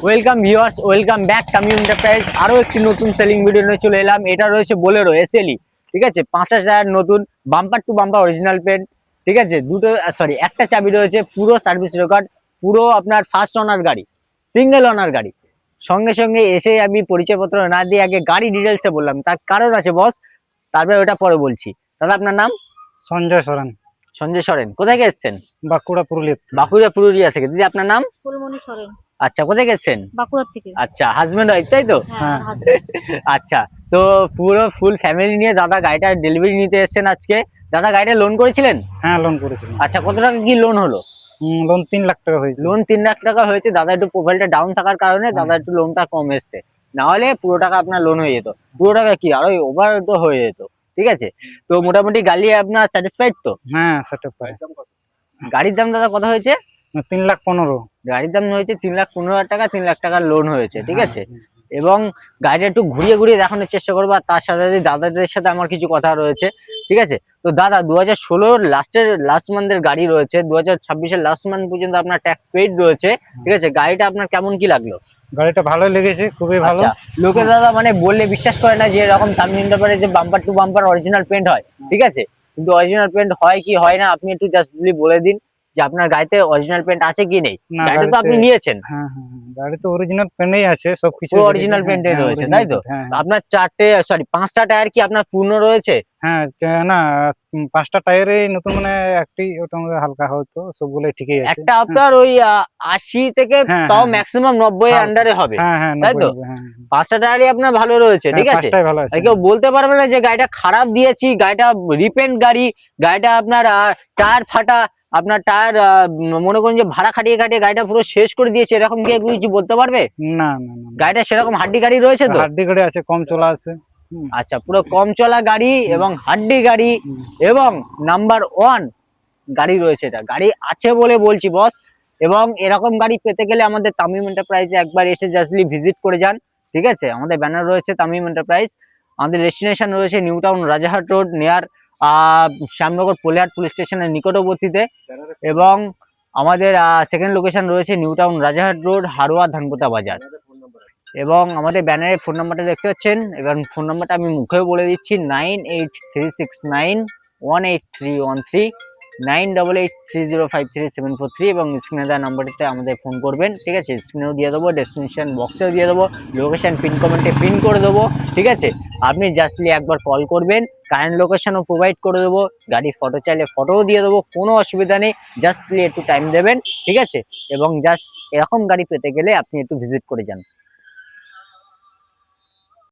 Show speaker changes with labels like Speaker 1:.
Speaker 1: Welcome viewers, welcome back Tamim Enterprise. আরো একটি নতুন সেলিং ভিডিও নিয়ে চলে এলাম। এটা রয়েছে বোলেরো এসএলই, ঠিক আছে। 50,000 নতুন bumper to bumper original paint, ঠিক আছে। একটা চাবি রয়েছে, পুরো সার্ভিস রেকর্ড, পুরো আপনার ফার্স্ট ওনার গাড়ি, সিঙ্গেল ওনার গাড়ি। সঙ্গে সঙ্গে এসে আমি পরিচয়পত্র না দিয়ে আগে গাড়ি ডিটেলসে বললাম, তার কারণ আছে বস, তারপরে ওটা পরে বলছি। দাদা আপনার নাম?
Speaker 2: সঞ্জয় সরেন।
Speaker 1: সঞ্জয় সরেন। কোথায় এসেছেন?
Speaker 2: বাঁকুড়া পুরুলিয়া।
Speaker 1: পুরুলিয়া থেকে। দিদি আপনার নাম?
Speaker 3: ফুলমণি সরেন।
Speaker 1: আচ্ছা, কোথায় গেছেন?
Speaker 3: বাঁকুড়া থেকে।
Speaker 1: আচ্ছা, হাজবেন্ড ওয়াইফ তাই তো?
Speaker 3: হ্যাঁ।
Speaker 1: আচ্ছা, তো পুরো ফুল ফ্যামিলি নিয়ে দাদা গাড়িটা ডেলিভারি নিতে এসেছেন আজকে। দাদা গাড়িটা লোন করেছিলেন?
Speaker 2: হ্যাঁ, লোন করেছিলাম।
Speaker 1: আচ্ছা, কত টাকা কি লোন হলো?
Speaker 2: লোন 3 লাখ টাকা হয়েছে।
Speaker 1: লোন 3 লাখ টাকা হয়েছে। দাদা একটু প্রোফাইলটা ডাউন থাকার কারণে দাদা একটু লোনটা কম এসছে, না হলে পুরো টাকা আপনার লোন হয়ে যেত। পুরো টাকা কি আরো ওভার তো হয়ে যেত, ঠিক আছে। তো মোটামুটি গাড়ি আপনার স্যাটিসফাইড তো?
Speaker 2: হ্যাঁ, সেটা পাই।
Speaker 1: গাড়ির দাম দাদা কত হয়েছে?
Speaker 2: 3,15,000।
Speaker 1: গাড়ির দাম হয়েছে 3,15,000 টাকা। 3 লাখ টাকার লোন হয়েছে, ঠিক আছে। এবং গাড়িটা একটু ঘুরিয়ে ঘুরিয়ে দেখানোর চেষ্টা করবো, আর তার সাথে সাথে দাদাদের সাথে আমার কিছু কথা রয়েছে, ঠিক আছে। তো দাদা 2016 লাস্ট মান্থের গাড়ি রয়েছে, 2026 লাস্ট মান্থ পর্যন্ত আপনার ট্যাক্স পেইড রয়েছে, ঠিক আছে। গাড়িটা আপনার কেমন কি লাগলো?
Speaker 2: গাড়িটা ভালোই লেগেছে, খুবই ভালো।
Speaker 1: আচ্ছা, লোকে দাদা মানে বললে বিশ্বাস করে না যে এরকম তামিম এন্টারপ্রাইজে bumper to bumper original paint হয়, ঠিক আছে। কিন্তু অরিজিনাল পেন্ট হয় কি হয় না আপনি একটু জাস্ট বলে দিন যে আপনার গাড়িতে অরিজিনাল পেন্ট আছে কি নেই।
Speaker 2: না,
Speaker 1: গাড়িটা তো আপনি নিয়েছেন।
Speaker 2: হ্যাঁ, গাড়িতে অরিজিনাল পেন্টই আছে, সবকিছু
Speaker 1: অরিজিনাল পেন্টে রয়েছে, তাই তো? আপনার 5টা টায়ার কি আপনার পূর্ণ রয়েছে?
Speaker 2: হ্যাঁ, না 5টা টায়ারে নতুন, মানে একটি ওটা মধ্যে হালকা হয়তো, সবগুলোই ঠিকই আছে।
Speaker 1: একটা আপনার ওই 80 থেকে তাও ম্যাক্সিমাম 90 আন্ডারে হবে, তাই তো? 5টা টায়ারই আপনার ভালো রয়েছে, ঠিক আছে। কেউ বলতে পারবে না যে গাড়িটা খারাপ দিয়েছি, গাড়িটা রিপেন্ট গাড়ি, গাড়িটা আপনার টায়ার ফাটা, আপনার টায়ার মনে করুন যে ভাড়া খাটিয়ে খাটিয়ে গাড়িটা পুরো শেষ করে দিয়েছে, এরকম কি কিছু বলতে পারবে?
Speaker 2: না,
Speaker 1: গাড়িটা সেরকম হাড্ডি গাড়ি রয়েছে তো?
Speaker 2: হাড্ডি গাড়ি আছে, কম চলা আছে।
Speaker 1: আচ্ছা, পুরো কম চলা গাড়ি এবং হাড্ডি গাড়ি এবং নাম্বার 1 গাড়ি রয়েছে। এটা গাড়ি আছে বলে বলছি বস। এবং এরকম গাড়ি পেতে গেলে আমাদের তামিম এন্টারপ্রাইজে একবার এসে জাস্টলি ভিজিট করে যান, ঠিক আছে। আমাদের ব্যানার রয়েছে তামিম এন্টারপ্রাইজ। আমাদের ডেস্টিনেশন রয়েছে New Town Rajarhat road, near Shyamnagar Polehat police স্টেশনের নিকটবর্তীতে। এবং আমাদের সেকেন্ড লোকেশন রয়েছে New Town Rajarhat road, Haroa Dhanpota বাজার। এবং আমাদের ব্যানারে ফোন নাম্বারটা দেখতে পাচ্ছেন। এবার ফোন নাম্বারটা আমি মুখেও বলে দিচ্ছি, 9836918313, 9883053743। এবং স্ক্রিনে দেওয়া নাম্বারটিতে আমাদের ফোন করবেন, ঠিক আছে। স্ক্রিনেও দিয়ে দেবো, ডেস্টিনেশন বক্সেও দিয়ে দেবো, লোকেশন পিন কমেন্টে পিন করে দেবো, ঠিক আছে। আপনি জাস্টলি একবার কল করবেন, কারেন্ট লোকেশনও প্রোভাইড করে দেবো, গাড়ির ফটো চাইলে ফটোও দিয়ে দেবো, কোনো অসুবিধা নেই। জাস্টলি একটু টাইম দেবেন, ঠিক আছে। এবং জাস্ট এরকম গাড়ি পেতে গেলে আপনি একটু ভিজিট করে যান।